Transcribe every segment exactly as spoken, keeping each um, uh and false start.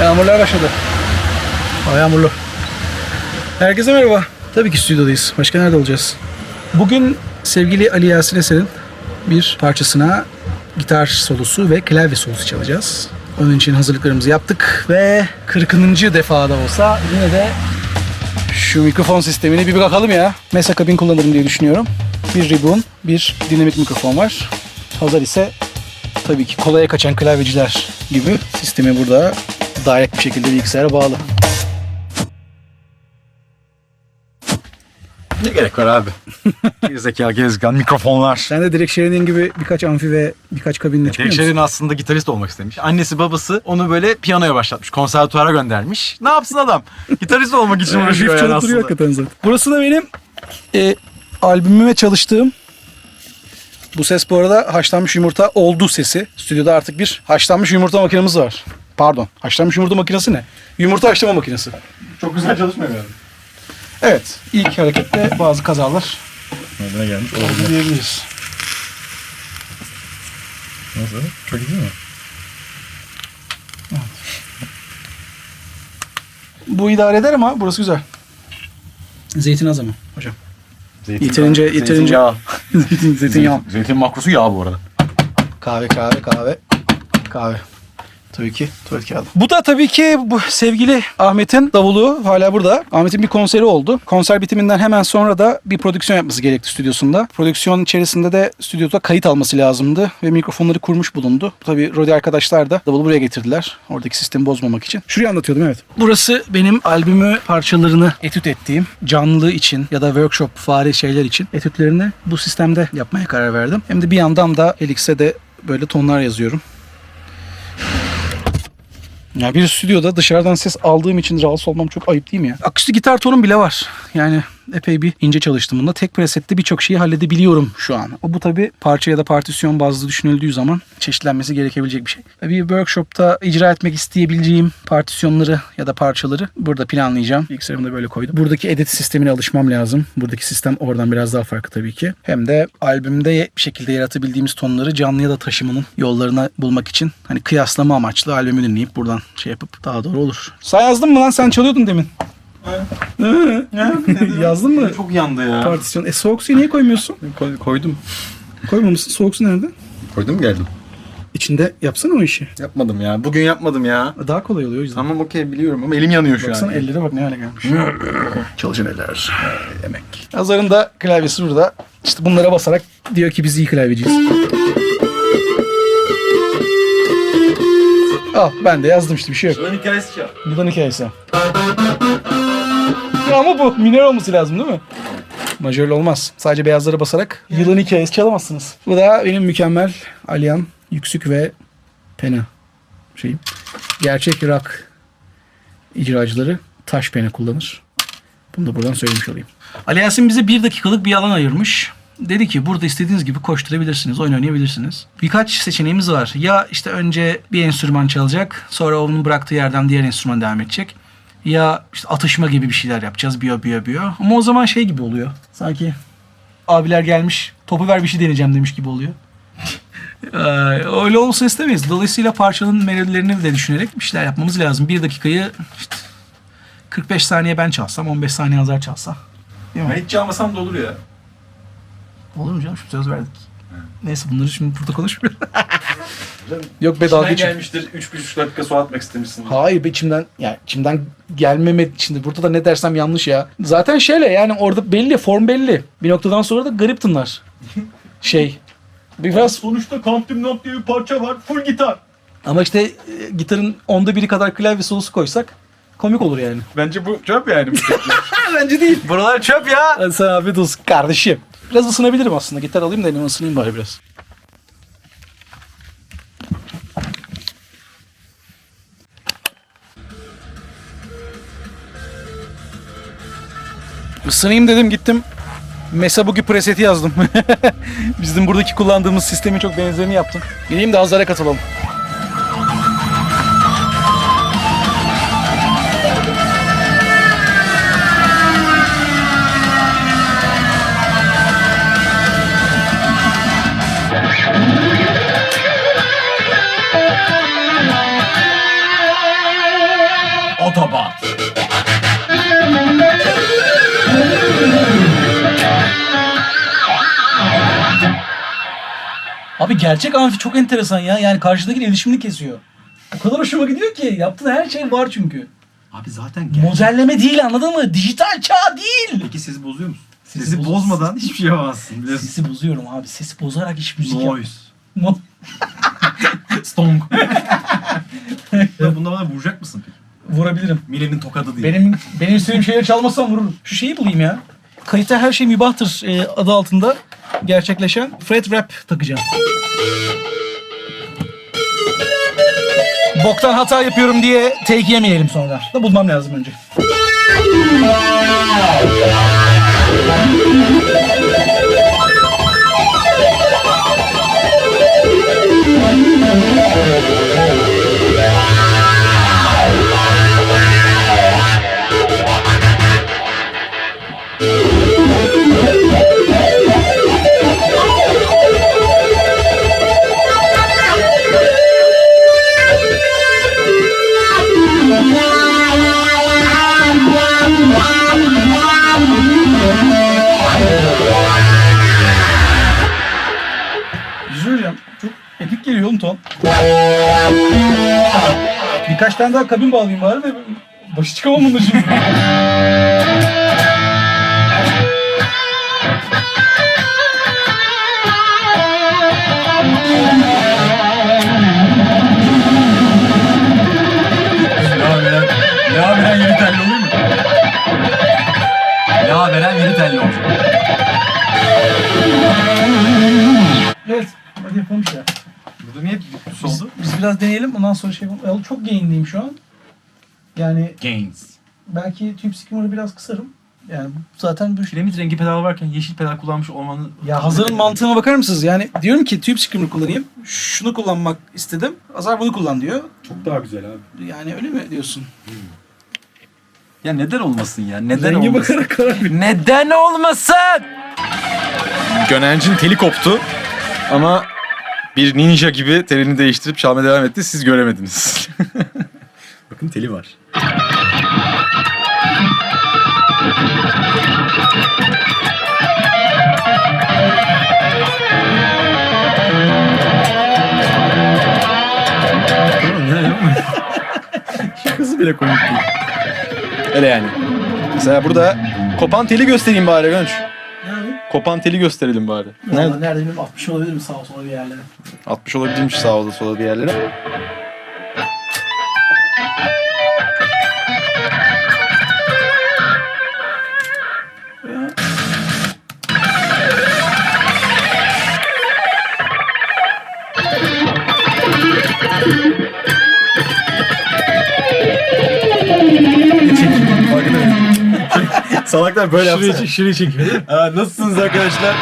Yağmurlar başladı. Hava yağmurlu. Herkese merhaba. Tabii ki stüdyodayız. Başka nerede olacağız? Bugün sevgili Ali Yasin Eser'in bir parçasına gitar solosu ve klavye solosu çalacağız. Onun için hazırlıklarımızı yaptık ve kırkıncı defada olsa yine de şu mikrofon sistemini bir bakalım ya. Mesa kabin kullanırım diye düşünüyorum. Bir ribbon, bir dinamik mikrofon var. Hazır ise tabii ki kolaya kaçan klavyeciler gibi sistemi burada direkt bir şekilde bilgisayara bağlı. Ne gerek var abi? Gerizekalı gezgen, mikrofonlar. Sen de direkt Sheridan gibi birkaç amfi ve birkaç kabinle çıkıyor musun? Sheridan aslında gitarist olmak istemiş. Annesi babası onu böyle piyanoya başlatmış. Konservatuara göndermiş. Ne yapsın adam? Gitarist olmak için uğraşıyor yani çalıp aslında. duruyor hakikaten zaten. Burası da benim e, albümüme çalıştığım. Bu ses bu arada haşlanmış yumurta oldu sesi. Stüdyoda artık bir haşlanmış yumurta makinemiz var. Pardon, haşlanmış yumurta makinesi ne? Yumurta haşlama makinesi. Çok güzel çalışmıyor yani. Evet, ilk hareketle bazı kazalar Nereden gelmiş? oldu Olabilir. diyebiliriz. Nasıl? Çok iyi değil mi? Bu idare eder ama burası güzel. Zeytin az ama hocam. Zeytin, Yeterince, yeterince. Zeytinyağı. Zeytin, zeytinyağı. Zeytin, zeytin makrosu yağ bu arada. Kahve, kahve, kahve, kahve. Tabii ki tuvalet kağıdı. Bu da tabii ki bu sevgili Ahmet'in davulu hala burada. Ahmet'in bir konseri oldu. Konser bitiminden hemen sonra da bir prodüksiyon yapması gerekti stüdyosunda. Prodüksiyon içerisinde de stüdyoda kayıt alması lazımdı ve mikrofonları kurmuş bulundu. Tabii Rodi arkadaşlar da davulu buraya getirdiler. Oradaki sistemi bozmamak için. Şurayı anlatıyordum, evet. Burası benim albümü parçalarını etüt ettiğim canlı için ya da workshop fare şeyler için etütlerini bu sistemde yapmaya karar verdim. Hem de bir yandan da Helix'e de böyle tonlar yazıyorum. Ya bir stüdyoda dışarıdan ses aldığım için rahatsız olmam çok ayıp değil mi ya? Akustik gitar tonum bile var. Yani epey bir ince çalıştım bunda. Tek presette birçok şeyi halledebiliyorum şu an. O bu tabii parça ya da partisyon bazlı düşünüldüğü zaman çeşitlenmesi gerekebilecek bir şey. Bir workshopta icra etmek isteyebileceğim partisyonları ya da parçaları burada planlayacağım. Bilgisayarımı da böyle koydum. Buradaki edit sistemine alışmam lazım. Buradaki sistem oradan biraz daha farklı tabii ki. Hem de albümde bir şekilde yaratabildiğimiz tonları canlı ya da taşımanın yollarını bulmak için hani kıyaslama amaçlı albümü dinleyip buradan şey yapıp daha doğru olur. Sen yazdın mı lan? Sen çalıyordun demin. Yazdın mı? Çok yandı ya. Partisyon. E soğuk suyu niye koymuyorsun? Koy, koydum. Koymamışsın. Soğuk su nerede? Koydum geldim. İçinde yapsana o işi. Yapmadım ya. Bugün yapmadım ya. Daha kolay oluyor o yüzden. Tamam okey biliyorum ama elim yanıyor şu Baksana an. ellere bak ne hale gelmiş. Çalışan eller. Emek. Azar'ın da klavyesi burada. İşte bunlara basarak diyor ki biz iyi klavyeciyiz. Al ben de yazdım işte bir şey yok. Lan hikayesi çal. Buradan hikayesi. Ya ama bu minör olması lazım değil mi? Majörlü olmaz. Sadece beyazlara basarak yılın hikayesi çalamazsınız. Bu da benim mükemmel Alyan, Yüksük ve Pena şeyim. Gerçek rock icracıları taş pena kullanır. Bunu da buradan söylemiş olayım. Ali Yasin bize bir dakikalık bir alan ayırmış. Dedi ki burada istediğiniz gibi koşturabilirsiniz, oyun oynayabilirsiniz. Birkaç seçeneğimiz var. Ya işte önce bir enstrüman çalacak, sonra onun bıraktığı yerden diğer enstrüman devam edecek. Ya işte atışma gibi bir şeyler yapacağız, biyo biyo biyo. Ama o zaman şey gibi oluyor. Sanki abiler gelmiş, topu ver bir şey deneyeceğim demiş gibi oluyor. ee, öyle olsa istemeyiz. Dolayısıyla parçanın melodilerini de düşünerek bir şeyler yapmamız lazım. Bir dakikayı işte kırk beş saniye ben çalsam, on beş saniye Azar çalsa. Değil mi? Ben hiç çalmasam da olur ya. Olur mu canım? Şimdi söz verdik. Neyse bunları şimdi burada konuşmuyoruz. Yok be dalga İçinden geçin. gelmiştir. üç buçuk dakika su atmak istemişsin. Hayır be içimden yani içimden gelmeme şimdi burada da ne dersem yanlış ya. Zaten şöyle yani orada belli form belli. Bir noktadan sonra da garip tınlar. Şey biraz Sonuçta Country Not diye bir parça var. Full gitar. ama işte e, gitarın onda biri kadar klavye solosu koysak komik olur yani. Bence bu çöp yani. Bence değil. Buralar çöp ya. Hadi sana afiyet olsun kardeşim. Biraz ısınabilirim aslında. Gitar alayım da elime ısınayım bari biraz. Isınayım dedim gittim. Mesa Boogie preseti yazdım. Bizim buradaki kullandığımız sistemin çok benzerini yaptım. Gideyim de Azar'a katılalım. Abi gerçek amfi çok enteresan ya. Yani karşıdaki iletişimini kesiyor. O kadar hoşuma gidiyor ki. Yaptığın her şey var çünkü. Abi zaten gerçek. Modelleme değil, anladın mı? Dijital çağ değil. Peki sesi bozuyor musun? Sesi Sesi, boz- bozmadan hiçbir şey yapamazsın. Biliyorsun. Sesi bozuyorum abi. Sesi bozarak hiç müzik yap. Noise. No. Stonk. Ya bunda bana vuracak mısın peki? Vurabilirim. Mile'nin tokadı diye. Benim benim istediğim şeyleri çalmasam vururum. Şu şeyi bulayım ya. Kayıtta her şey mübahtır e, adı altında gerçekleşen Fred Rap takacağım. Boktan hata yapıyorum diye take yemeyelim sonra. Da bulmam lazım önce. Güzel çok epik geliyor oğlum ton. Birkaç tane daha kabin bağlayayım bari de başı çıkamam bunun şimdi. Ya veren yeni telli olur mu? Ya veren yeni telli olur. Evet, hadi yapalım işte. Burada niye düz oldu? Biz biraz deneyelim ondan sonra şey yapalım. Çok gainliyim şu an. Yani Gains. belki tube skimmer'ı biraz kısarım. Yani zaten bu Kiremit rengi pedal varken yeşil pedal kullanmış olmanın... ya Hazar'ın mantığına bakar mısınız? Yani diyorum ki tube skimmer kullanayım. Şunu kullanmak istedim. Hazar bunu kullan diyor. Çok daha güzel abi. Yani öyle mi diyorsun? Ya neden olmasın ya? Neden Renge olmasın? bakarak karar ver. Neden olmasın? Gönencin teli koptu. Ama bir ninja gibi telini değiştirip çalmaya devam etti. Siz göremediniz. Bakın teli var. Şakası bile komik değil. Öyle yani. Mesela burada kopan teli göstereyim bari Gönç. Yani Kopan teli gösterelim bari. nerede? Nerede? Nerede bilmiyorum altmış olabilir mi sağa sola bir yerlere? altmış olabilirmiş sağ olda sola bir yerlere. Salaklar böyle yapsana. Şurayı, şurayı çekiyor. Aa, nasılsınız arkadaşlar?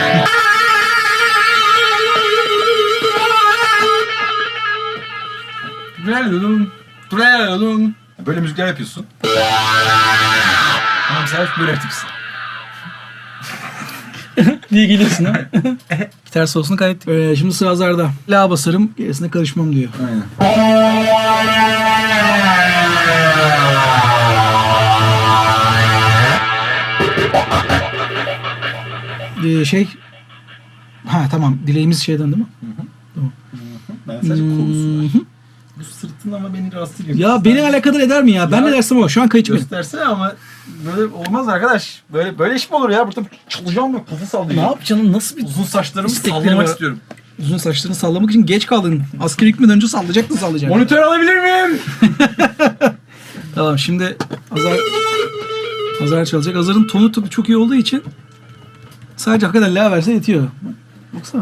Trelelum, trelelum. Böyle müzikler yapıyorsun. Ama mesela böyle yapmışsın. diye geliyorsun ha. Gitar solosunu kaydettik. Ee, şimdi sıra Hazar'da. La basarım, gerisine karışmam diyor. Aynen. Ee, şey... Ha tamam, dileğimiz şeyden değil mi? Ben sadece konusu var. Hı hı. Bu sırtın ama beni rahatsız ediyor. Ya beni alakadar eder mi ya? Ben Ya- ne dersem o. Şu an kayıt benim. Göstersene ama böyle olmaz arkadaş. Böyle böyle iş mi olur ya? Burada çalacağım böyle kafa Ne sallayacağım. yap canım? Nasıl bir Uzun saçlarımı İstekleri sallamak var. istiyorum. uzun saçlarını sallamak için geç kaldın. Askere gitmeden önce sallayacaktın sallayacaktın. Monitör alabilir miyim? Tamam şimdi Hazar Hazar çalacak. Hazar'ın tonu tabii çok iyi olduğu için sadece hakikaten la verse yetiyor. Baksana.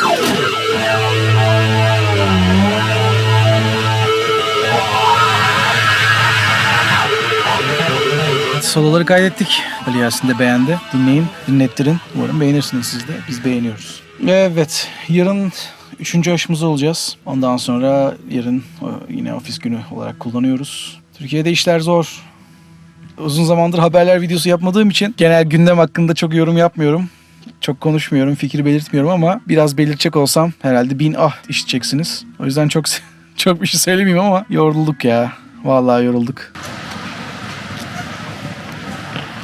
Soloları kaydettik. Ali Yasin de beğendi. Dinleyin, dinlettirin. Umarım beğenirsiniz siz de. Biz beğeniyoruz. Evet, yarın üçüncü aşımız olacağız. Ondan sonra yarın o, yine ofis günü olarak kullanıyoruz. Türkiye'de işler zor. Uzun zamandır haberler videosu yapmadığım için genel gündem hakkında çok yorum yapmıyorum. Çok konuşmuyorum, fikir belirtmiyorum ama biraz belirtecek olsam herhalde bin ah işiteceksiniz. O yüzden çok çok bir şey söylemeyeyim ama yorulduk ya. Vallahi yorulduk.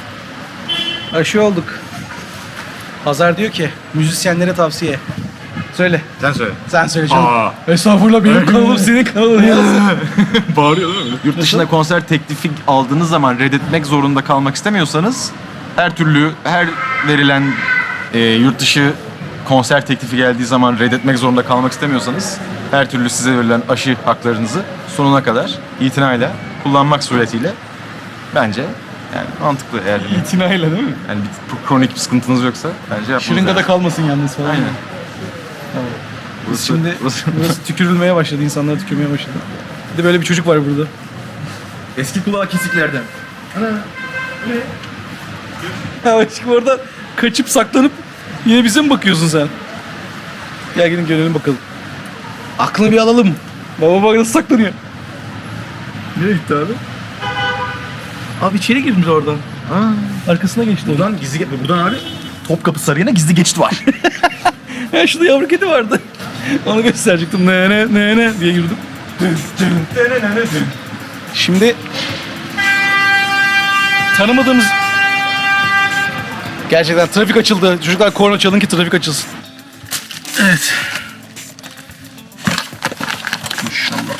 Aşı olduk. Hazar diyor ki müzisyenlere tavsiye. Söyle. Sen söyle. Sen söyle canım. Aa. Estağfurullah benim kanalım senin kanalın ya. Bağırıyor değil mi? Yurt dışında konser teklifi aldığınız zaman reddetmek zorunda kalmak istemiyorsanız her türlü, her verilen e, yurt dışı konser teklifi geldiği zaman reddetmek zorunda kalmak istemiyorsanız her türlü size verilen aşı haklarınızı sonuna kadar itinayla kullanmak suretiyle bence yani mantıklı eğer İtinayla değil mi? yani bir kronik bir sıkıntınız yoksa bence yapmanız Şırıngada lazım. kalmasın yalnız falan. Aynen. Biz şimdi burası tükürülmeye başladı. İnsanlar tükürmeye başladı. Bir de böyle bir çocuk var burada. Eski kulağı kesiklerden. Ya aşkım oradan kaçıp saklanıp yine bize mi bakıyorsun sen? Gel gidin görelim bakalım. Aklını bir alalım. Baba bak nasıl saklanıyor. Nereye gitti abi? Abi içeri girmiş oradan. Aa, Arkasına geçti. Oradan. buradan gizli buradan abi Topkapı Sarayı'na gizli geçit var. Ya şurada yavru kedi vardı. Onu gösterecektim. Ne ne ne ne diye yürüdüm. Şimdi tanımadığımız gerçekten trafik açıldı. Çocuklar korna çalın ki trafik açılsın. Evet. İnşallah.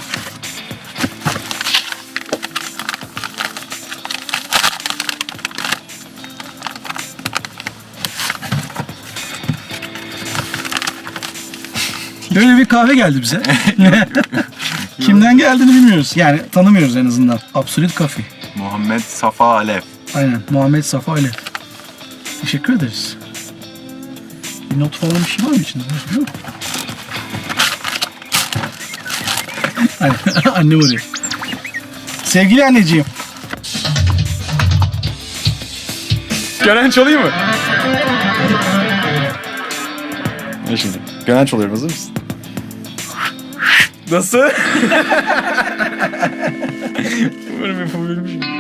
Böyle bir kahve geldi bize. Kimden geldiğini bilmiyoruz. Yani tanımıyoruz en azından. Absolute Coffee. Muhammed Safa Alev. Aynen. Muhammed Safa Ali. Teşekkür ederiz. Bir not falan bir şey var mı içinde? Yok. Aynen. Annem arıyor. Sevgili anneciğim. Gören çalayım mı? Ne şimdi? Gönenç oluyorum, hazır mısın? Nasıl? Umarım yapabilmişim.